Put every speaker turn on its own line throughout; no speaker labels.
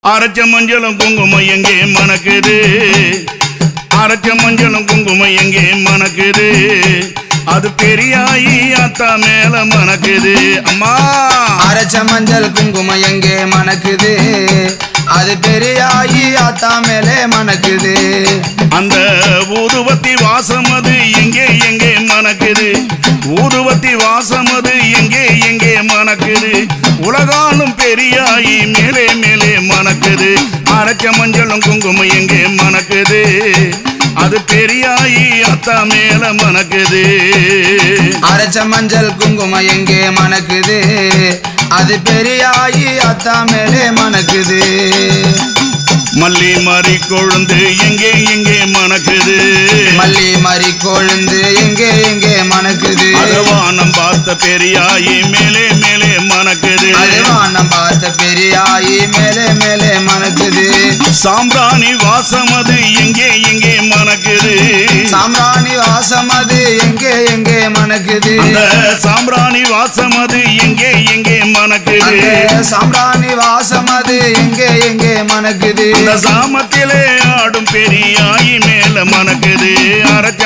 அரைச்ச மஞ்சளும் குங்குமம் எங்கே மணக்குது, அரைச்ச மஞ்சளும் குங்குமம் எங்கே மணக்குது, அது பெரியாயி அத்தா மேல மணக்குது. அம்மா
அரைச்ச மஞ்சள் குங்குமம் எங்கே மணக்குது, அது பெரியாயி அத்தா மேலே மணக்குது.
அந்த ஊதுவத்தி வாசம் அது எங்கே எங்கே மணக்குது, ஊதுவத்தி வாசம் அது எங்கே எங்கே மணக்குது, உலகாலும் பெரியாயி மேலே மேலே மணக்குது. அரைச்ச மஞ்சளும் குங்குமம் எங்கே மணக்குது, அது பெரியாயி அத்தா மேல மணக்குது.
அரைச்ச மஞ்சள் குங்குமம் எங்கே மணக்குது, அது பெரியாயி அத்தா மேலே மணக்குது.
மல்லி மாறி கொழுந்து எங்கே எங்கே மணக்குது,
மல்லி மாறி கொழுந்து எங்கே எங்கே மணக்குது,
அதுவானம் பார்த்த பெரியாயி மேலே மேலே மணக்குது,
அதுவானம் பார்த்த பெரியாயி மேலே மேலே மணக்குது.
சாம்பிராணி வாசம் அது எங்கே எங்கே மணக்குது,
சாம்பிராணி வாசம் அது எங்கே எங்கே மணக்குது,
சாம்பிராணி வாசம் அது எங்கே எங்கே மணக்குது,
சாம்பிராணி வாசம் அது எங்கே எங்கே மணக்குது.
சாமத்திலே ஆடும் பெரியாயி மேல மணக்குது. அரைச்ச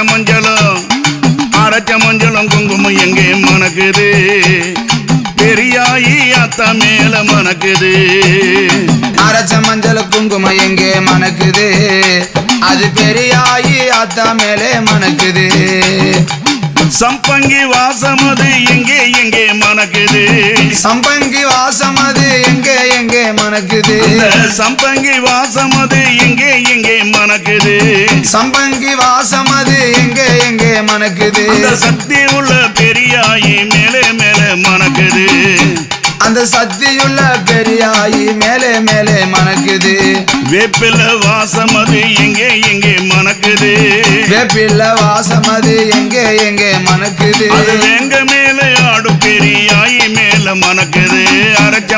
மஞ்சளும் குங்குமம் எங்கே மணக்குது, பெரியாயி அத்தா மேல மணக்குது.
அரைச்ச மஞ்சள் குங்குமம் எங்கே மணக்குது, அது பெரியாயி அத்தா மேலே மணக்குது.
சம்பங்கி வாசம் அது எங்கே எங்கே மணக்குது,
சம்பங்கி வாசம் அது எங்கே எங்கே மணக்குது,
சம்பங்கி வாசம் அது எங்கே எங்கே மணக்குது,
சம்பங்கி வாசம் அது எங்கே எங்கே மணக்குது.
சக்தி உள்ள பெரியாயி மேலே மேலே மணக்குது,
அந்த சக்தியுள்ள பெரியாயி மேலே மேலே மணக்குது.
வேப்பில வாசம் அது எங்கே எங்கே மணக்குது,
வேப்பில வாசம் அது எங்கே எங்கே மணக்குது,
அது எங்க மேலே ஆடும் பெரியாயி மேல மணக்குது. அரைச்ச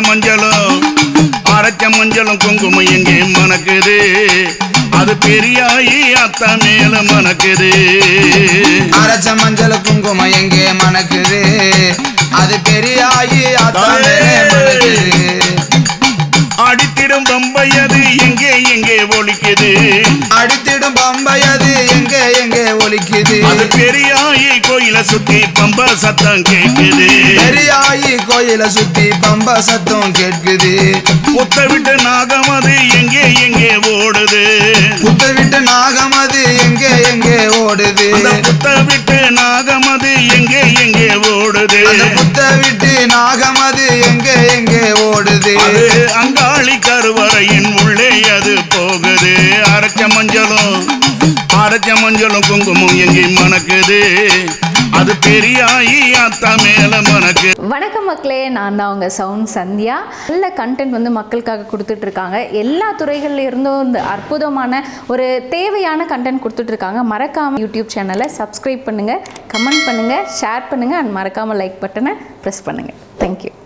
மஞ்சளும் குங்குமம் எங்கே மணக்குது, அது பெரியாயி அத்தா மேல மணக்குது.
அரைச்ச மஞ்சள் குங்குமம் எங்கே மணக்குது, அது பெரியாயி அத்தா மேலே மணக்குது.
அடித்திடும் பம்பையது எங்கே எங்கே ஒலிக்குது,
அடித்திடும் பம்பையது எங்கே எங்கே ஒலிக்குது,
அது பெரியாயி கோயில சுத்தி பம்ப சத்தம் கேட்குது,
பெரியாயி கோயில சுத்தி பம்ப சத்தம் கேட்குது.
புத்த விட்டு நாகம் அது எங்கே எங்கே ஓடுது,
புத்த விட்டு நாகம் அது எங்கே எங்கே ஓடுது,
புத்த விட்டு நாகம் அது எங்கே எங்கே ஓடுது,
புத்த விட்டு நாகம் அது எங்கே எங்கே ஓடுது.
அங்காளி கருவறையின் உள்ளே அது போகுது. அரைச்ச மஞ்சளும் குங்குமம் எங்கே மணக்குது, அது பெரியாயி அத்தா மேல மணக்கு.
வணக்கம் மக்களே, நான் தான் உங்கள் சவுண்ட் சந்தியா. நல்ல கண்டென்ட் வந்து மக்களுக்காக கொடுத்துட்ருக்காங்க. எல்லா துறைகளில் இருந்தும் இந்த அற்புதமான ஒரு தேவையான கண்டென்ட் கொடுத்துட்ருக்காங்க. மறக்காமல் யூடியூப் சேனலை சப்ஸ்கிரைப் பண்ணுங்கள், கமெண்ட் பண்ணுங்கள், ஷேர் பண்ணுங்கள் அண்ட் மறக்காமல் லைக் பட்டனை ப்ரெஸ் பண்ணுங்கள். தேங்க்யூ.